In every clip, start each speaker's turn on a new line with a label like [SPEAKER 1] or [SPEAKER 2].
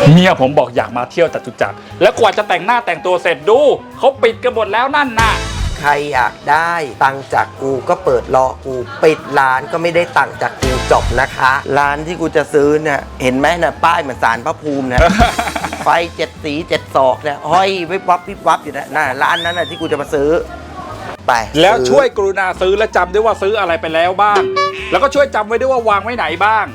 [SPEAKER 1] เมียผมบอกอยากมาเที่ยวจตุจักรแล้วกว่าจะแต่งหน้าแต่งตัวเสร็จดูเขาปิดกันหมดแล้วนั่นน่ะ
[SPEAKER 2] ใครอยากได้ตังค์จากกูก็เปิดรอกูปิดร้านก็ไม่ได้ตังค์จากกูจบนะคะร้านที่กูจะซื้อเนี่ยเห็นไหมนะป้ายเหมือนศาลพระภูมินะ ไฟ7 สี7 ศอกเนี่ยห้อยวิบวับวิบวับอยู่นะร้านนั้นนะที่กูจะมาซื้อไป
[SPEAKER 1] แล้วช่วยกรุณาซื้อและจำด้วยว่าซื้ออะไรไปแล้วบ้างแล้วก็ช่วยจำไว้ด้วยว่าวางไว้ไหนบ้าง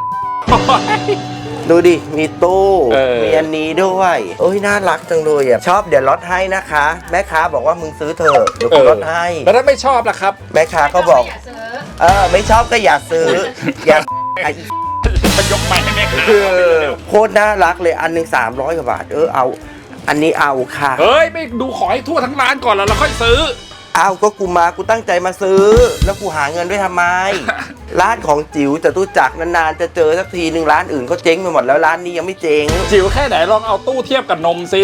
[SPEAKER 2] ดูดิมีตู้มีอันนี้ด้วยโอ้ยน่ารักจังเลยอ่ะชอบเดี๋ยวลดให้นะคะแม่ค้าบอกว่ามึงซื้อเถอะเดี๋ยวกูลดให้
[SPEAKER 1] แล้วถ้าไม่ชอบล่ะครับ
[SPEAKER 2] แม่ค้าก็บอกไม่ชอบก็อย่าซื้ออย่า
[SPEAKER 1] จะยกไม้ให้แม่ค้า
[SPEAKER 2] โคตรน่ารักเลยอันหนึ่ง300 กว่าบาทเอาอันนี้เอาค่ะ
[SPEAKER 1] เฮ้ยไม่ดูขอให้ทั่วทั้งร้านก่อนแล้วเราค่อยซื้อ
[SPEAKER 2] เอาก็กูตั้งใจมาซื้อแล้วกูหาเงินไว้ทำไม ร้านของจิ๋วจตุจักรนานๆจะเจอสักทีหนึ่งร้านอื่นก็เจ๊งไปหมดแล้วร้านนี้ยังไม่เจ๊ง
[SPEAKER 1] จิ๋วแค่ไหนลองเอาตู้เทียบกับนมสิ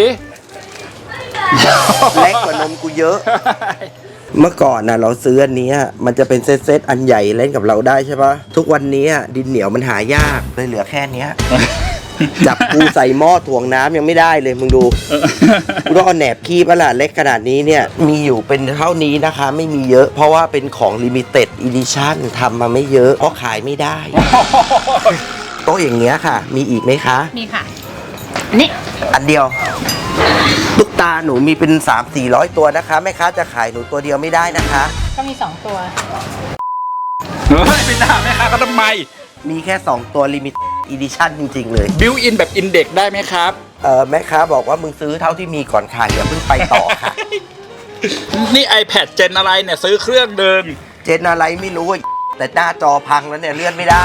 [SPEAKER 2] เล็กกว่านมกูเยอะ เมื่อก่อนนะเราซื้ออันนี้มันจะเป็นเซตอันใหญ่เล่นกับเราได้ใช่ปะทุกวันนี้ดินเหนียวมันหายากเลยเหลือแค่นี้จับกูใส่หม้อถ่วงน้ำยังไม่ได้เลยมึงดูกูต้องเอาแหนบคีบล่ะเล็กขนาดนี้เนี่ยมีอยู่เป็นเท่านี้นะคะไม่มีเยอะเพราะว่าเป็นของลิมิเต็ดอีดิชั่นทำมาไม่เยอะเพราะขายไม่ได้โต๊ะอย่างเงี้ยค่ะมีอีกไหมคะ
[SPEAKER 3] มีค่ะนี่
[SPEAKER 2] อันเดียวตุ๊กตาหนูมีเป็น300-400 ตัวนะคะแม่ค้าจะขายหนูตัวเดียวไม่ได้นะคะ
[SPEAKER 3] ก็มี2 ตัว
[SPEAKER 1] ไม่ได้แม่ค้าก็ทำไม
[SPEAKER 2] มีแค่2 ตัวลิมิตอีดิชั่นจริงๆเลย
[SPEAKER 1] บิวอินแบบอินเด็กได้ไหมครับ
[SPEAKER 2] แม่ค้าบอกว่ามึงซื้อเท่าที่มีก่อนค่ะอย่าเพิ่งไปต่อค่ะ
[SPEAKER 1] นี่ iPad เจนอะไรเนี่ยซื้อเครื่องเดิน
[SPEAKER 2] เจนอะไรไม่รู้แต่หน้าจอพังแล้วเนี่ยเลื่อนไม่ได้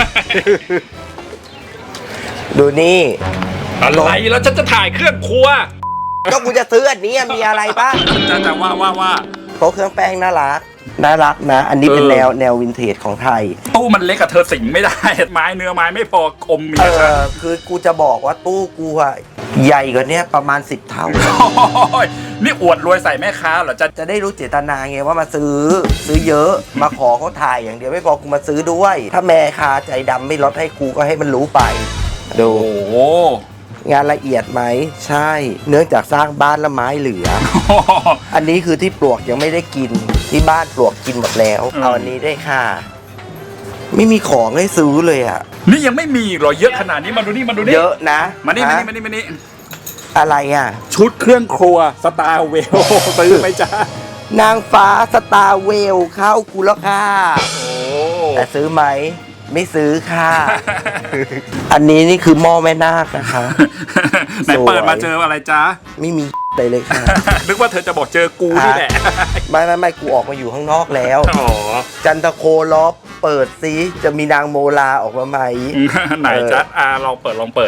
[SPEAKER 2] ดูนี่
[SPEAKER 1] อะไรแล้วฉันจะถ่ายเครื่องครัว
[SPEAKER 2] ก็กูจะซื้ออันนี้มีอะไรบ้าง
[SPEAKER 1] จะว่า
[SPEAKER 2] โต๊ะเครื่องแป้งน่ารักนะอันนี้เป็นแนววินเทจของไทย
[SPEAKER 1] ตู้มันเล็กกับเธอสิงไม่ได้ไม้เนื้อไม้ไม่พออมเมีย
[SPEAKER 2] คือกูจะบอกว่าตู้กูใหญ่กว่านี้ประมาณ10 เท่า
[SPEAKER 1] นี่อวดรวยใส่แม่ค้าเหรอ
[SPEAKER 2] จะได้รู้เจตนาไงว่ามาซื้อเยอะมาขอเขาถ่ายอย่างเดียวไม่พอกูมาซื้อด้วยถ้าแม่ค้าใจดำไม่ลดให้กูก็ให้มันรู้ไปดูงานละเอียดไหมใช่เนื่องจากสร้างบ้านละไม้เหลือ อันนี้คือที่ปลวกยังไม่ได้กินที่บ้านปลวกกินหมดแล้วเอาอันนี้ได้ค่ะไม่มีของให้ซื้อเลย
[SPEAKER 1] นี่ยังไม่มีหรอเยอะขนาดนี้มาดูนี่
[SPEAKER 2] เยอะนะ
[SPEAKER 1] มานี่
[SPEAKER 2] อะไร
[SPEAKER 1] ชุดเครื่องครัวสตาร์เวลซื้อไหมจ๊ะ
[SPEAKER 2] นางฟ้าสตาร์เวลเข้ากูแล้วค่ะแต่ซื้อไหมไม่ซื้อค่ะ อันนี้นี่คือหม้อแม่นาคนะคะ
[SPEAKER 1] ไหนเปิดมาเจออะไรจ๊ะ
[SPEAKER 2] ไม่มีอะไรเลยค่ะ
[SPEAKER 1] นึกว่าเธอจะบอกเจอกูนี่แหละ
[SPEAKER 2] ไม่กูออกมาอยู่ข้างนอกแล้วจันทโคล้อเปิดซิจะมีนางโมลาออกมาไหม
[SPEAKER 1] ไหนจ๊ะลองเปิด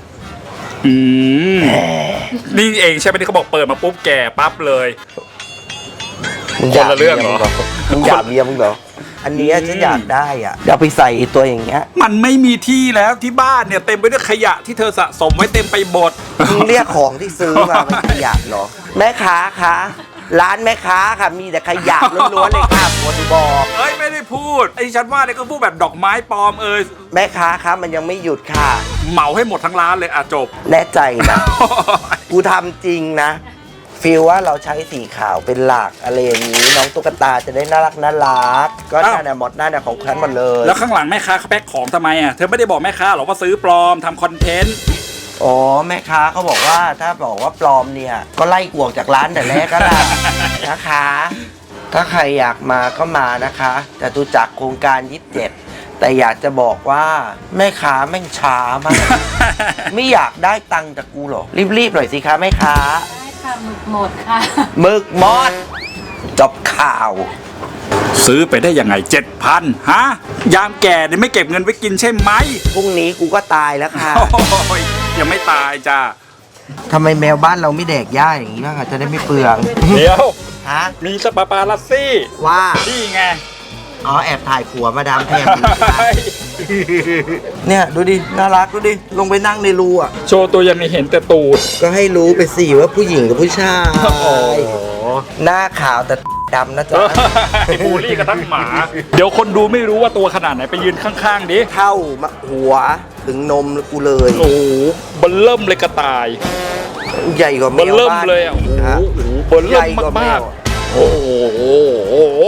[SPEAKER 1] นี่เองใช่ไหมที่เขาบอกเปิดมาปุ๊บแก่ปั๊บเลยคนละเรื่องเหรอ
[SPEAKER 2] มึงอยากเมียมึงเหรออันนี้ฉันอยากได้เดี๋ยวไปใส่ตัวอย่างเงี้ย
[SPEAKER 1] มันไม่มีที่แล้วที่บ้านเนี่ยเต็มไปด้วยขยะที่เธอสะสมไว้เต็มไปหมด
[SPEAKER 2] มึงเรียกของที่ซื้อมาเป็นขยะเหรอแม่ค้าคะร้านแม่ค้าค่ะมีแต่ขยะล้วนๆเลยค่ะคนบอก
[SPEAKER 1] ไม่ได้พูดไอ้ฉันว่าเนี่ยก็พูดแบบดอกไม้ปลอม
[SPEAKER 2] แม่ค้าคะมันยังไม่หยุดค่ะ
[SPEAKER 1] เหมาให้หมดทั้งร้านเลยจบ
[SPEAKER 2] แน่ใจนะกูทำจริงนะฟีลว่าเราใช้สีขาวเป็นหลักอะไรอย่างนี้น้องตุ๊กตาจะได้น่ารักก็น่าเนี่ยหมดหน้าเนี่ยของฉันหมดเลย
[SPEAKER 1] แล้วข้างหลังแม่ค้าเขาแพ็คของทำไมเธอไม่ได้บอกแม่ค้าหรอว่าซื้อปลอมทำคอนเทนต์
[SPEAKER 2] อ๋อแม่ค้าเขาบอกว่าถ้าบอกว่าปลอมเนี่ยก็ไล่กวกจากร้านแต่แรกก็ได้นะคะถ้าใครอยากมาก็มานะคะจตุจักรโครงการ27แต่อยากจะบอกว่าแม่ค้าแม่งช้ามากไม่อยากได้ตังค์จากกูหรอรีบๆหน่อยสิคะแม่ค้า
[SPEAKER 3] หมึกหมดค่ะ
[SPEAKER 2] หมึกหมดจบข่าว
[SPEAKER 1] ซื้อไปได้ยังไง 7,000 ฮะยามแก่เนี่ยไม่เก็บเงินไว้กินใช่ไหม
[SPEAKER 2] พรุ่งนี้กูก็ตายแล้วค่ะ
[SPEAKER 1] ยังไม่ตายจ้า
[SPEAKER 2] ทำไมแมวบ้านเราไม่แดกหญ้าอย่างนี้บ้างจะได้ไม่เปลือง
[SPEAKER 1] เดี๋ยว
[SPEAKER 2] มี
[SPEAKER 1] สปาปาลัสซี่
[SPEAKER 2] ว่า
[SPEAKER 1] นี่ไง
[SPEAKER 2] แอบถ่ายผัวมาดามแพงเนี่ยดูดิน่ารักดูดิลงไปนั่งในรู
[SPEAKER 1] โชว์ตัวยังไม่เห็นแต่ตูด
[SPEAKER 2] ก็ให้รู้ไปสิว่าผู้หญิงกับผู้ชายหน้าขาวแต่ดำนะจ๊ะ
[SPEAKER 1] บูลลี่กันทั้งหมาเดี๋ยวคนดูไม่รู้ว่าตัวขนาดไหนไปยืนข้างๆดิ
[SPEAKER 2] เท่าหัวถึงนมกูเลย
[SPEAKER 1] โอ้โหเบิ่มเริ่มเลยกระต่าย
[SPEAKER 2] ใหญ่กว่าแม
[SPEAKER 1] เบิ่ม
[SPEAKER 2] ว
[SPEAKER 1] เริ่ม
[SPEAKER 2] บ้าน
[SPEAKER 1] เลยอ่ะโอ้โห
[SPEAKER 2] ฮะ
[SPEAKER 1] เบิ่ม
[SPEAKER 2] ให
[SPEAKER 1] เริ่
[SPEAKER 2] ญ่
[SPEAKER 1] ม
[SPEAKER 2] กว่าแม
[SPEAKER 1] มาก
[SPEAKER 2] ว
[SPEAKER 1] ๆโอ้โห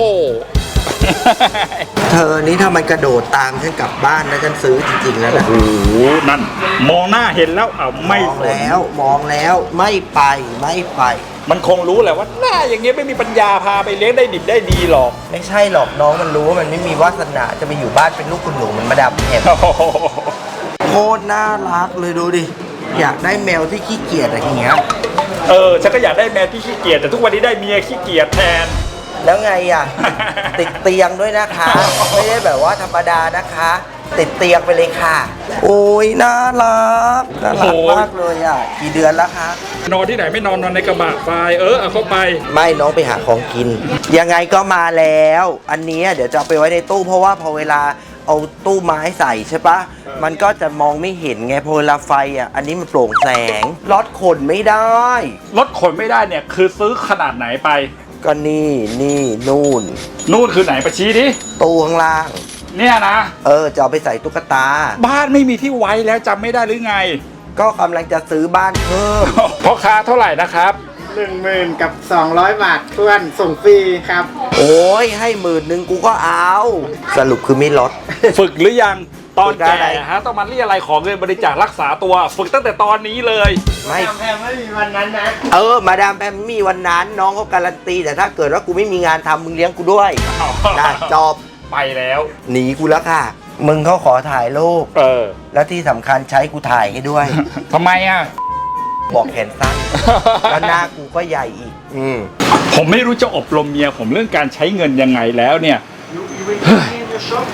[SPEAKER 2] เธอนี่ถ้ามันกระโดดตามฉันกลับบ้านนะฉันซื้อจริงๆแล้วนะ
[SPEAKER 1] โอ้โหนั่นมองหน้าเห็นแล้วอ้าวไม่
[SPEAKER 2] มอง
[SPEAKER 1] สน
[SPEAKER 2] แล้วมองแล้วไม่ไปไม่ไป
[SPEAKER 1] มันคงรู้แหละว่าหน้าอย่างเงี้ยไม่มีปัญญาพาไปเลี้ยงได้ดิบได้ดีหรอก
[SPEAKER 2] ไม่ใช่หรอกน้องมันรู้ว่ามันไม่มีวาสนาจะไปอยู่บ้านเป็นลูกคุณหนูเหมันมาดามแอม
[SPEAKER 1] โอ้โห
[SPEAKER 2] โคตรน่ารักเลยดูดิอยากได้แมวที่ขี้เกียจอะไรอย่างเงี้ย
[SPEAKER 1] ฉันก็อยากได้แมวที่ขี้เกียจแต่ทุกวันนี้ได้เมียขี้เกียจแทน
[SPEAKER 2] แล้วไงอ่ะ ติดเตียงด้วยนะคะ ไม่ได้แบบว่าธรรมดานะคะ ติดเตียงไปเลยค่ะ โอ้ยน่ารักน่ารัก
[SPEAKER 1] โอ้ย
[SPEAKER 2] มากเลยอ่ะกี่เดือนแล้วคะ
[SPEAKER 1] นอนที่ไหนไม่นอนนอนในกระบะทรายเอาเข้าไป
[SPEAKER 2] ไม่น้องไปหาของกิน ยังไงก็มาแล้ว อันเนี้ยเดี๋ยวจะเอาไปไว้ในตู้เพราะว่าพอเวลาเอาตู้ไม้ใส่ใช่ปะมันก็จะมองไม่เห็นไงพอเวลาไฟอ่ะอันนี้มันโปร่งแสงรถขนไม่ได้
[SPEAKER 1] รถขนไม่ได้เนี่ยคือซื้อขนาดไหนไป
[SPEAKER 2] ก็นี่นู่น
[SPEAKER 1] นู่นคือไหนไปชี้ดิ
[SPEAKER 2] ตู้ข้างล่าง
[SPEAKER 1] เนี่ยนะ
[SPEAKER 2] จะเอาไปใส่ตุ๊กตา
[SPEAKER 1] บ้านไม่มีที่ไว้แล้วจำไม่ได้หรือไง
[SPEAKER 2] ก็กำลังจะซื้อบ้านเพิ่ม
[SPEAKER 1] พ่อค้าเท่าไหร่นะครับ
[SPEAKER 4] 10,000 กับ 200 บาททวนส่งฟรีครับ
[SPEAKER 2] โอ้ยให้10,000กูก็เอา สรุปคือไม่ลด
[SPEAKER 1] ฝึกหรือยังตอน
[SPEAKER 2] ฝึกได้
[SPEAKER 1] แก่ฮะต้องมาเรียอะไรขอเงินบริจาครักษาตัว ฝึกตั้งแต่ตอนนี้เลย
[SPEAKER 2] ไม่
[SPEAKER 4] แพงไม่มีวันนั้นนะ
[SPEAKER 2] มาดามแพมมีวันนั้นน้องเขาการันตี แต่ถ้าเกิดว่ากูไม่มีงานทำมึงเลี้ยงกูด้วยนะจบ
[SPEAKER 1] ไปแล้ว
[SPEAKER 2] หนีกูแล้วค่ะ มึงเขาขอถ่ายรูป
[SPEAKER 1] อ
[SPEAKER 2] แล้วที่สำคัญใช้กูถ่ายให้ด้วย
[SPEAKER 1] ทำไมอ่ะ
[SPEAKER 2] บอกแขนสั้นแล้วหน้ากูก็ใหญ่อีก
[SPEAKER 1] ผมไม่รู้จะอบรมเมียผมเรื่องการใช้เงินยังไงแล้วเนี่ย